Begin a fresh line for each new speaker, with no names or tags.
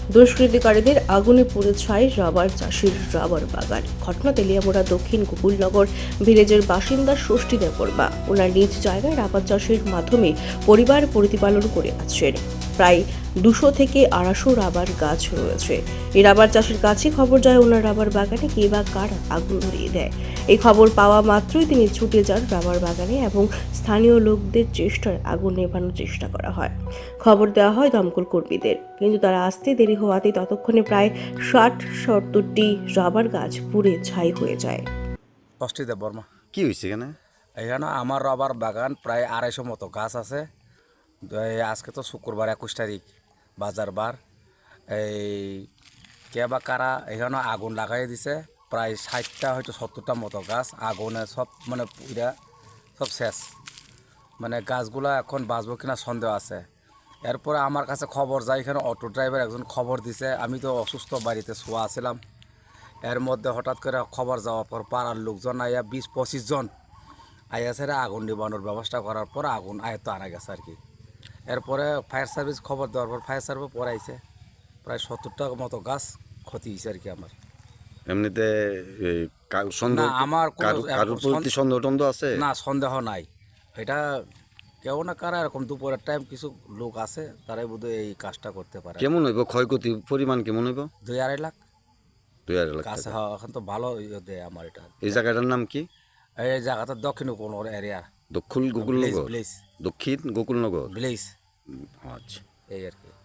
দুষ্কৃতিকারীদের আগুনে পুড়ে ছাই রাবার চাষির রাবার বাগান। ঘটনা তেলিয়ামুড়া দক্ষিণ গোকুলনগর ভিলেজের বাসিন্দা ষষ্ঠী দেববর্মা। ওনার নিজ জায়গায় রাবার চাষের মাধ্যমে পরিবার প্রতিপালন করে আছেন। প্রায় 200 থেকে 250 রাবার গাছ রয়েছে। এই রাবার চাষের কাছে খবর যায় ওনার রাবার বাগানে কে বা কারা আগুন ধরিয়ে দেয়। এই খবর পাওয়া মাত্রই তিনি ছুটে যান রাবার বাগানে এবং স্থানীয় লোকদের চেষ্টায় আগুন নেভানোর চেষ্টা করা হয়। খবর দেওয়া হয় দমকল কর্মীদের, কিন্তু তারা আসতে দেরি হওয়াতে ততক্ষণে প্রায় 60-70টি রাবার গাছ পুড়ে ছাই হয়ে যায়।
ষষ্ঠী দেববর্মা।
কি হয়েছে এখানে?
এখানে আমার রাবার বাগান প্রায় 250 মতো গাছ আছে। আজকে তো শুক্রবার 21 তারিখ, বাজার বার। এই কে বা কারা এখানে আগুন লাগাই দিছে। প্রায় 60টা হয়তো 70টা মতো গাছ আগুনে সব মানে পুরা সব শেষ। মানে গাছগুলা এখন বাঁচবো কিনা সন্দেহ আছে। এরপরে আমার কাছে খবর যায়, এখানে অটো ড্রাইভার একজন খবর দিছে। আমি তো অসুস্থ, বাড়িতে শোয়া ছিলাম। এর মধ্যে হঠাৎ করে খবর যাওয়ার পর পাড়ার লোকজন আইয়া 20-25 জন আইয়া ছেড়ে আগুন নিবানোর ব্যবস্থা করার পর আগুন আয়ত্ত আনা গেছে আর কি। এরপরে ফায়ার সার্ভিস খবর দেওয়ার পর ফায়ার সার্ভিস পরে আইছে। প্রায় 70টা মতো গাছ ক্ষতি হয়েছে আর কি আমার।
এমনিতে এই সন্দেহ
না, আমার কোনো
কারোর প্রতি সন্দেহ টন্দেহ আছে?
না, সন্দেহ নাই। এটা কেউ না কারা এরকম দুপুরের টাইম কিছু লোক আছে, তারাই বোধহয় এই কাজটা করতে পারে।
কেমন হইব ক্ষয়ক্ষতি পরিমাণ কেমন হইব?
2-2.5 লাখ
2.5 লাখ
গাছ।
টাকা।
হ্যাঁ, এখন তো ভালো দেয় আমার এটা।
এই জায়গাটার নাম কি?
এই জায়গাটা দক্ষিণ কোন এরিয়া,
দক্ষিণ
ভিলেজ
গোকুলনগর?
ভিলেজ
দক্ষিণ গোকুলনগর।
ভিলেজ
আচ্ছা।
এই আর কি।